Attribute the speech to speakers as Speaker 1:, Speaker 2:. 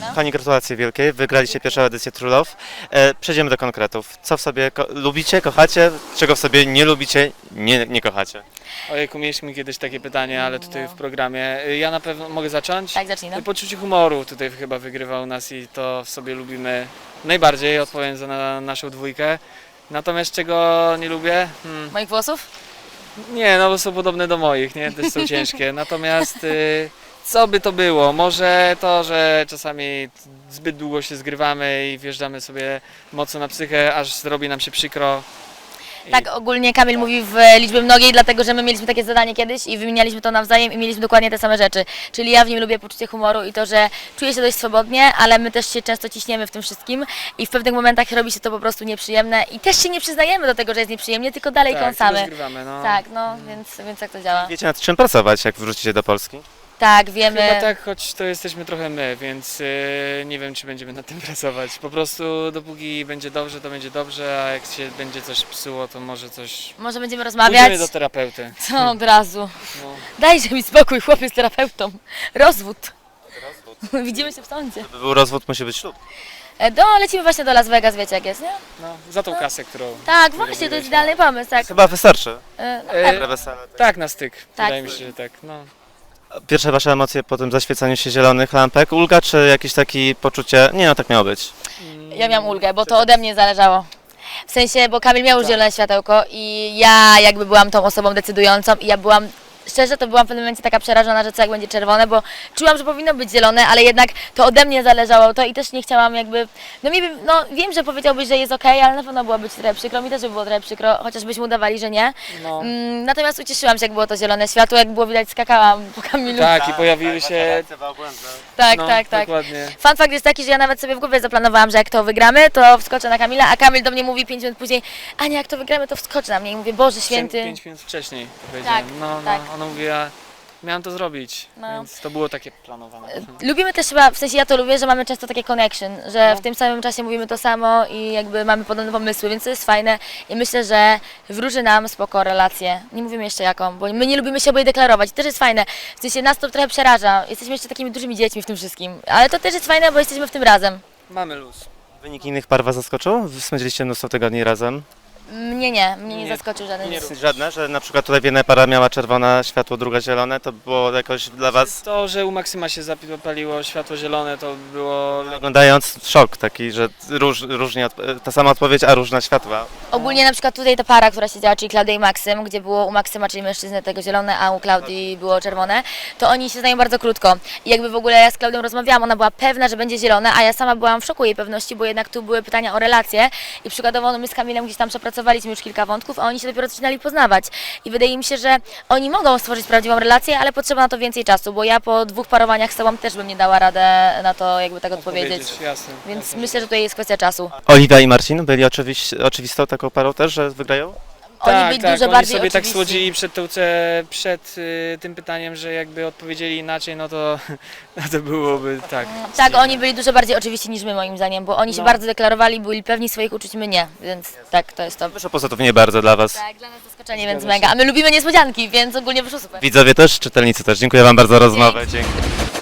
Speaker 1: Pani gratulacje wielkie, wygraliście pierwszą edycję True Love. Przejdziemy do konkretów. Co w sobie lubicie, kochacie, czego w sobie nie lubicie, nie kochacie?
Speaker 2: Ojejku, mieliśmy kiedyś takie pytanie, ale tutaj w programie. Ja na pewno mogę zacząć?
Speaker 3: Tak, zacznij, no.
Speaker 2: Poczucie humoru tutaj chyba wygrywa u nas i to w sobie lubimy najbardziej, odpowiem za naszą dwójkę. Natomiast czego nie lubię?
Speaker 3: Moich włosów?
Speaker 2: Nie, no bo są podobne do moich, nie? Też są ciężkie. Natomiast co by to było? Może to, że czasami zbyt długo się zgrywamy i wjeżdżamy sobie mocno na psychę, aż zrobi nam się przykro.
Speaker 3: Tak, ogólnie Kamil mówi w liczbie mnogiej, dlatego że my mieliśmy takie zadanie kiedyś i wymienialiśmy to nawzajem i mieliśmy dokładnie te same rzeczy. Czyli ja w nim lubię poczucie humoru i to, że czuję się dość swobodnie, ale my też się często ciśniemy w tym wszystkim i w pewnych momentach robi się to po prostu nieprzyjemne i też się nie przyznajemy do tego, że jest nieprzyjemnie, tylko dalej
Speaker 2: Tak,
Speaker 3: kąsamy.
Speaker 2: tylko zgrywamy, no.
Speaker 3: Tak, no, więc tak to działa.
Speaker 1: Wiecie nad czym pracować, jak wrócicie do Polski?
Speaker 3: Tak, wiemy.
Speaker 2: Chyba tak, choć to jesteśmy trochę my, więc nie wiem, czy będziemy nad tym pracować. Po prostu dopóki będzie dobrze, to będzie dobrze, a jak się będzie coś psuło, to może coś...
Speaker 3: Może będziemy rozmawiać?
Speaker 2: Pójdziemy do terapeuty.
Speaker 3: Co od razu?
Speaker 2: No.
Speaker 3: Dajże mi spokój, chłopiec z terapeutą. Rozwód. Widzimy się w sądzie.
Speaker 1: Żeby był rozwód, musi być ślub.
Speaker 3: Lecimy właśnie do Las Vegas, wiecie jak jest, nie?
Speaker 2: No, za tą kasę, którą...
Speaker 3: Tak, właśnie, to jest idealny pomysł, tak.
Speaker 1: Chyba wystarczy.
Speaker 2: E,
Speaker 1: Wesele.
Speaker 2: tak, na styk.
Speaker 3: Tak.
Speaker 2: Wydaje mi się, że tak. No.
Speaker 1: Pierwsze wasze emocje po tym zaświecaniu się zielonych lampek? Ulga, czy jakieś takie poczucie, nie no, tak miało być?
Speaker 3: Ja miałam ulgę, bo to ode mnie zależało. W sensie, bo Kamil miał już
Speaker 2: Tak.
Speaker 3: zielone światełko i ja jakby byłam tą osobą decydującą i ja byłam, szczerze to byłam w pewnym momencie taka przerażona, że co jak będzie czerwone, bo czułam, że powinno być zielone, ale jednak to ode mnie zależało to i też nie chciałam jakby, no wiem, że powiedziałbyś, że jest okej, ale na pewno byłoby ci trochę przykro, mi też by było trochę przykro, chociażbyśmy udawali, że nie.
Speaker 2: No.
Speaker 3: Natomiast ucieszyłam się, jak było to zielone światło, jak było widać, skakałam po Kamilu.
Speaker 2: Tak, i pojawiły się...
Speaker 3: Tak,
Speaker 2: No,
Speaker 3: tak, tak.
Speaker 2: dokładnie.
Speaker 3: Fun fact jest taki, że ja nawet sobie w głowie zaplanowałam, że jak to wygramy, to wskoczę na Kamila, a Kamil do mnie mówi 5 minut później, Ania, jak to wygramy, to wskocz na mnie i mówię, Boże Święty.
Speaker 2: 5 minut wcześniej powiedziałem.
Speaker 3: Tak,
Speaker 2: No,
Speaker 3: tak.
Speaker 2: ona mówiła, miałam to zrobić,
Speaker 3: No.
Speaker 2: więc to było takie planowane.
Speaker 3: Lubimy też chyba, w sensie ja to lubię, że mamy często takie connection, że
Speaker 2: No.
Speaker 3: w tym samym czasie mówimy to samo i jakby mamy podobne pomysły, więc to jest fajne i myślę, że wróży nam spoko relację. Nie mówimy jeszcze jaką, bo my nie lubimy się oboje deklarować i też jest fajne. W sensie nas to trochę przeraża, jesteśmy jeszcze takimi dużymi dziećmi w tym wszystkim, ale to też jest fajne, bo jesteśmy w tym razem.
Speaker 2: Mamy luz.
Speaker 1: Wynik innych par was zaskoczył? Wy spędziliście mnóstwo tygodni razem.
Speaker 3: Mnie nie
Speaker 2: Nie.
Speaker 3: zaskoczył żaden.
Speaker 2: Nie.
Speaker 1: Żadne, że na przykład tutaj jedna para miała czerwone światło, druga zielone, to było jakoś dla was,
Speaker 2: To, że u Maksyma się zapaliło światło zielone, to było...
Speaker 1: oglądając, szok taki, że różnie, ta sama odpowiedź, a różne światła.
Speaker 3: Ogólnie na przykład tutaj ta para, która siedziała, czyli Klaudia i Maksym, gdzie było u Maksyma, czyli mężczyzny, tego zielone, a u Klaudii było czerwone, to oni się znają bardzo krótko. I jakby w ogóle ja z Klaudią rozmawiałam, ona była pewna, że będzie zielone, a ja sama byłam w szoku jej pewności, bo jednak tu były pytania o relacje i przykładowo no my z Kamilem gdzieś tam przepracowaliśmy już kilka wątków, a oni się dopiero zaczynali poznawać. I wydaje mi się, że oni mogą stworzyć prawdziwą relację, ale potrzeba na to więcej czasu, bo ja po 2 parowaniach z sobą też bym nie dała radę na to jakby tak odpowiedzieć.
Speaker 2: Jasne.
Speaker 3: Więc
Speaker 2: jasne.
Speaker 3: myślę, że to jest kwestia czasu.
Speaker 1: Oliwia i Marcin byli oczywistą taką parą też, że wygrają?
Speaker 3: Oni
Speaker 2: Tak,
Speaker 3: byli
Speaker 2: tak,
Speaker 3: dużo
Speaker 2: oni
Speaker 3: bardziej
Speaker 2: sobie tak
Speaker 3: oczywiści.
Speaker 2: słodzili przed tym pytaniem, że jakby odpowiedzieli inaczej, no to, no to byłoby tak.
Speaker 3: Tak, oni byli dużo bardziej oczywiści niż my moim zdaniem, bo oni się
Speaker 2: No.
Speaker 3: bardzo deklarowali, byli pewni swoich uczuć, my nie, więc tak, to jest to.
Speaker 1: Wyszło pozytywnie bardzo dla was.
Speaker 3: Tak, dla nas zaskoczenie,
Speaker 2: Zgadza
Speaker 3: więc
Speaker 2: się.
Speaker 3: mega. A my lubimy niespodzianki, więc ogólnie wyszło super.
Speaker 1: Widzowie też, czytelnicy też. Dziękuję wam bardzo za rozmowę. Dzięki.